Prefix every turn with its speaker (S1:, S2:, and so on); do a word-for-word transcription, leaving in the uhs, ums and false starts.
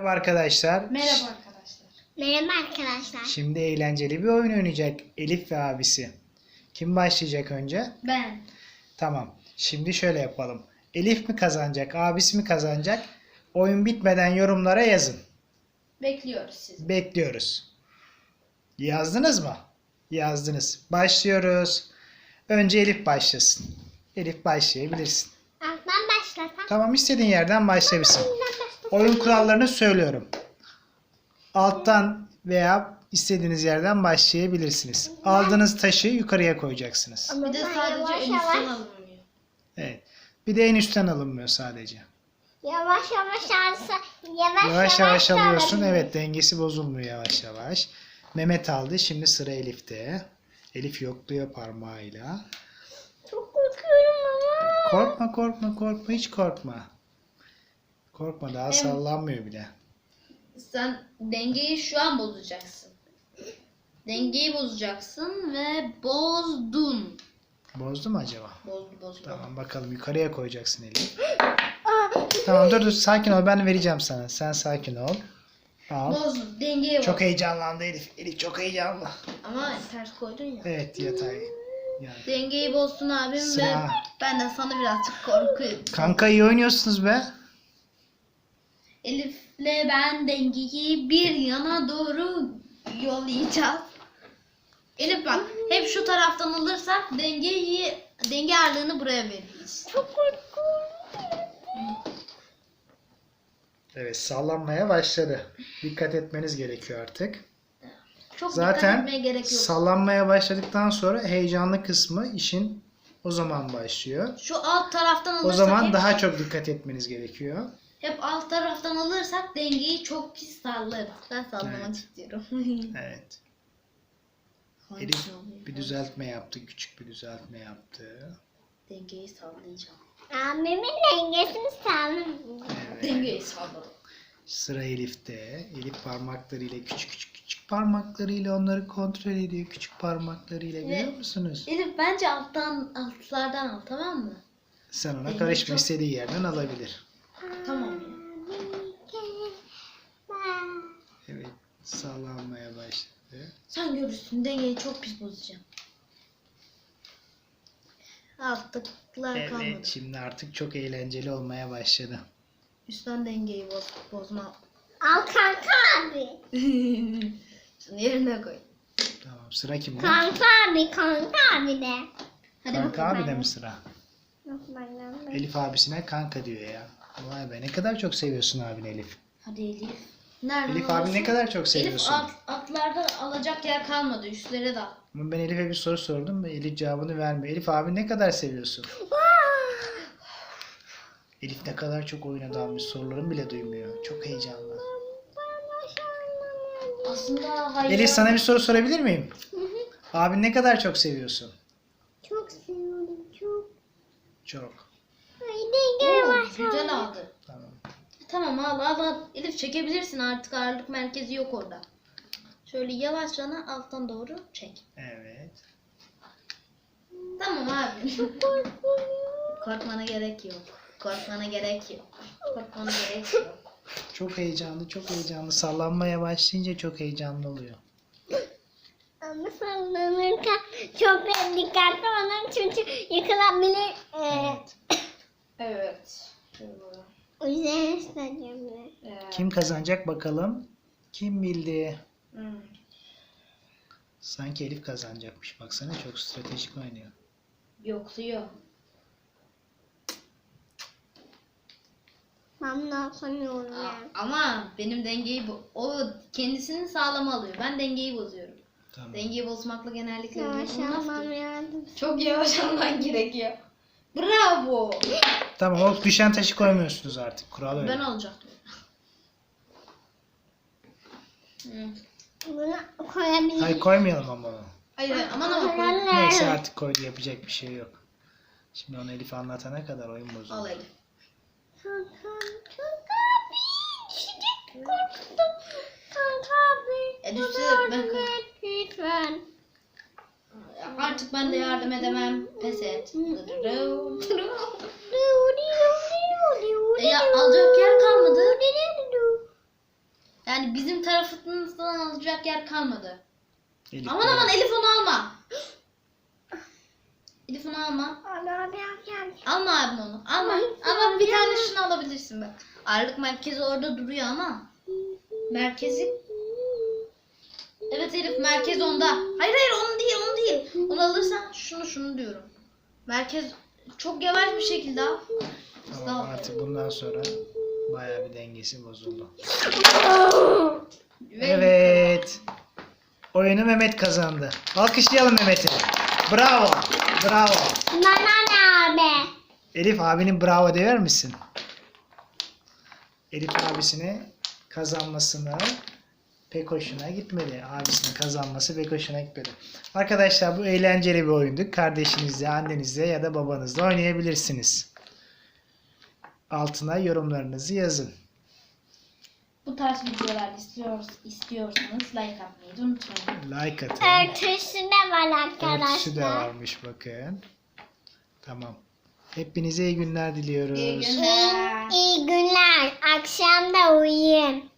S1: Merhaba arkadaşlar.
S2: Merhaba arkadaşlar.
S3: Merhaba arkadaşlar.
S1: Şimdi eğlenceli bir oyun oynayacak Elif ve abisi. Kim başlayacak önce?
S2: Ben.
S1: Tamam. Şimdi şöyle yapalım. Elif mi kazanacak, abisi mi kazanacak? Oyun bitmeden yorumlara yazın.
S2: Bekliyoruz sizi.
S1: Bekliyoruz. Yazdınız mı? Yazdınız. Başlıyoruz. Önce Elif başlasın. Elif başlayabilirsin.
S3: Alttan başlasam.
S1: Tamam, istediğin yerden başlayabilirsin. Oyun kurallarını söylüyorum. Alttan veya istediğiniz yerden başlayabilirsiniz. Aldığınız taşı yukarıya koyacaksınız.
S3: Ama
S2: Bir de
S3: ben
S2: sadece
S3: yavaş
S2: en üstten
S3: yavaş,
S2: alınmıyor.
S1: Evet. Bir de en üstten alınmıyor sadece.
S3: yavaş yavaş alsa yavaş
S1: Yavaş yavaş
S3: da
S1: alıyorsun.
S3: alabilirim.
S1: Evet, dengesi bozulmuyor yavaş yavaş. Mehmet aldı. Şimdi sıra Elif'te. Elif yokluyor parmağıyla.
S3: Çok korkuyorum ama.
S1: Korkma korkma korkma, hiç korkma. Korkma, daha sallanmıyor bile.
S2: Sen dengeyi şu an bozacaksın. Dengeyi bozacaksın ve bozdun.
S1: Bozdu mu acaba?
S2: Bozdu bozdu.
S1: Tamam, bakalım yukarıya koyacaksın Elif. Tamam, dur dur, sakin ol, ben vereceğim sana. Sen sakin ol. Al.
S2: Bozdun. Dengeyi boz.
S1: Çok heyecanlandı Elif. Elif çok heyecanlı.
S2: Ama ters koydun ya.
S1: Evet, yatay. Yani.
S2: Dengeyi bozdun abim
S1: Sıra.
S2: ve benden sana birazcık korkuyorum.
S1: Kanka, iyi oynuyorsunuz be.
S2: Elif'le ben dengeyi bir yana doğru yollayacağız. Elif bak, hep şu taraftan alırsak dengeyi denge ağırlığını buraya veririz.
S3: Çok korkuyorum.
S1: Evet, sallanmaya başladı. Dikkat etmeniz gerekiyor artık.
S2: Çok
S1: Zaten
S2: dikkat etmeye gerek yok.
S1: sallanmaya başladıktan sonra heyecanlı kısmı işin o zaman başlıyor.
S2: Şu alt taraftan
S1: O
S2: alırsak
S1: zaman
S2: hep,
S1: daha çok dikkat etmeniz gerekiyor.
S2: hep alt taraftan alırsak dengeyi çok pis sallarız. Ben sallamak
S1: Evet.
S2: istiyorum.
S1: Evet.
S2: Hangisi
S1: Elif
S2: oluyor?
S1: bir düzeltme yaptı. Küçük bir düzeltme yaptı.
S2: Dengeyi sallayacağım.
S3: Abimin dengesini sağlam.
S1: Evet.
S2: Dengeyi salladım.
S1: Sıra Elif'te. Elif parmaklarıyla, küçük küçük küçük parmaklarıyla onları kontrol ediyor. Küçük parmaklarıyla, biliyor
S2: Evet.
S1: musunuz?
S2: Elif bence alttan altlardan al, tamam mı?
S1: Sen ona
S2: Elif
S1: karışma,
S2: çok-
S1: istediği yerden alabilir.
S2: Tamam ya.
S1: Evet, sallanmaya başladı.
S2: Sen görürsün, dengeyi çok pis bozacağım. Altlıklar kalmadı.
S1: Evet, şimdi artık çok eğlenceli olmaya başladı.
S2: Üstten dengeyi boz, bozma.
S3: Al kanka abi.
S2: Şunu yerine koy.
S1: Tamam, sıra kimde?
S3: Kanka abi, kanka abi de.
S2: Hadi
S1: Kanka
S2: bakalım.
S1: abi de mi sıra?
S3: Yok, benden de.
S1: Elif abisine kanka diyor ya. Vay be, ne kadar çok seviyorsun abini Elif.
S2: Hadi Elif. Nereden
S1: Elif abi
S2: alıyorsun?
S1: ne kadar çok
S2: Elif
S1: seviyorsun.
S2: alt, altlarda alacak yer kalmadı. Üstlere de al.
S1: Ama ben Elif'e bir soru sordum ve Elif cevabını vermiyor. Elif abi ne kadar seviyorsun? Elif ne kadar çok oyuna dalmış, sorularını bile duymuyor. Çok heyecanlı.
S2: Aslında hayır.
S1: Elif, sana bir soru sorabilir miyim? Abi ne kadar çok seviyorsun?
S3: Çok seviyorum, çok.
S1: Çok.
S3: Ay denge
S2: Oo,
S3: var.
S2: güzel aldı.
S1: Tamam.
S2: Tamam al al al. Elif çekebilirsin, artık ağırlık merkezi yok orada. Şöyle yavaşça alttan doğru çek.
S1: Evet.
S2: Tamam abi. Korkmana gerek yok. Korkmana gerek yok. Korkmana gerek yok.
S1: Çok heyecanlı, çok heyecanlı. Sallanmaya başlayınca çok heyecanlı oluyor.
S3: Ama sallanırken çok dikkatli olun çünkü yıkılabilir. Ee,
S1: Evet.
S2: Evet.
S3: O yüzden istediğimde.
S1: Kim kazanacak bakalım? Kim bildi?
S2: Hmm.
S1: Sanki Elif kazanacakmış. Baksana, çok stratejik oynuyor.
S2: Yokluyor.
S3: Ben ne yapamıyorum
S2: Aa,
S3: yani.
S2: ama benim dengeyi bu. O kendisini sağlama alıyor. Ben dengeyi bozuyorum.
S1: Tamam.
S2: Dengeyi bozmakla genellikle
S3: Yavaş
S2: olmaz
S3: almam
S2: ki.
S3: lazım.
S2: Çok yavaş alman gerekiyor. Bravo.
S1: Tamam, o düşen taşı koymuyorsunuz artık. Kural öyle.
S2: Ben alacaktım. Hı.
S3: Bunu koyabilirim.
S1: Hayır, koymayalım ama onu.
S2: Hayır hayır, aman ama koy.
S3: Anne.
S1: Neyse, artık koydu, yapacak bir şey yok. Şimdi onu Elif anlatana kadar oyun
S2: Al
S1: bozuldu.
S2: Elif.
S3: Kanka, kanka abi. Çocuk korktum. Kanka abi.
S2: E, düşse
S3: bana
S2: ben
S3: yardım
S2: koy-
S3: et lütfen.
S2: Artık ben de yardım edemem. Pes et. E ya alacak yer kalmadı. Yani bizim tarafımızdan alacak yer kalmadı.
S1: Elif
S2: Aman aman Elif onu alma. Elif onu alma.
S3: Ana ben geldim.
S2: Alma abim onu. Alma.
S3: Ay,
S2: Ama bir
S3: ya.
S2: tane şunu alabilirsin bak. Ağırlık merkezi orada duruyor ama. Merkezi. Evet Elif merkez onda. Hayır hayır onu değil onu değil. Onu alırsan şunu şunu diyorum. Merkez çok yavaş bir şekilde al.
S1: Tamam, artık bundan sonra bayağı bir dengesi bozuldu.
S2: Ve
S1: Evet. Oyunu Mehmet kazandı. Alkışlayalım Mehmet'i. Bravo. Bravo.
S3: Bana ne abi?
S1: Elif abinin bravo der misin? Elif abisine kazanmasını pek hoşuna gitmedi. Abisinin kazanması pek hoşuna gitmedi. Arkadaşlar bu eğlenceli bir oyundu. Kardeşinizle, annenizle ya da babanızla oynayabilirsiniz. Altına yorumlarınızı yazın.
S2: bu tarz videolar istiyoruz, istiyorsanız like atmayı da unutmayın.
S1: Like atın.
S3: Örtüsü de var
S1: Örtüsü de
S3: arkadaşlar.
S1: varmış bakın. Tamam. Hepinize iyi günler diliyoruz.
S2: İyi günler.
S3: İyi günler. Akşam da uyuyun.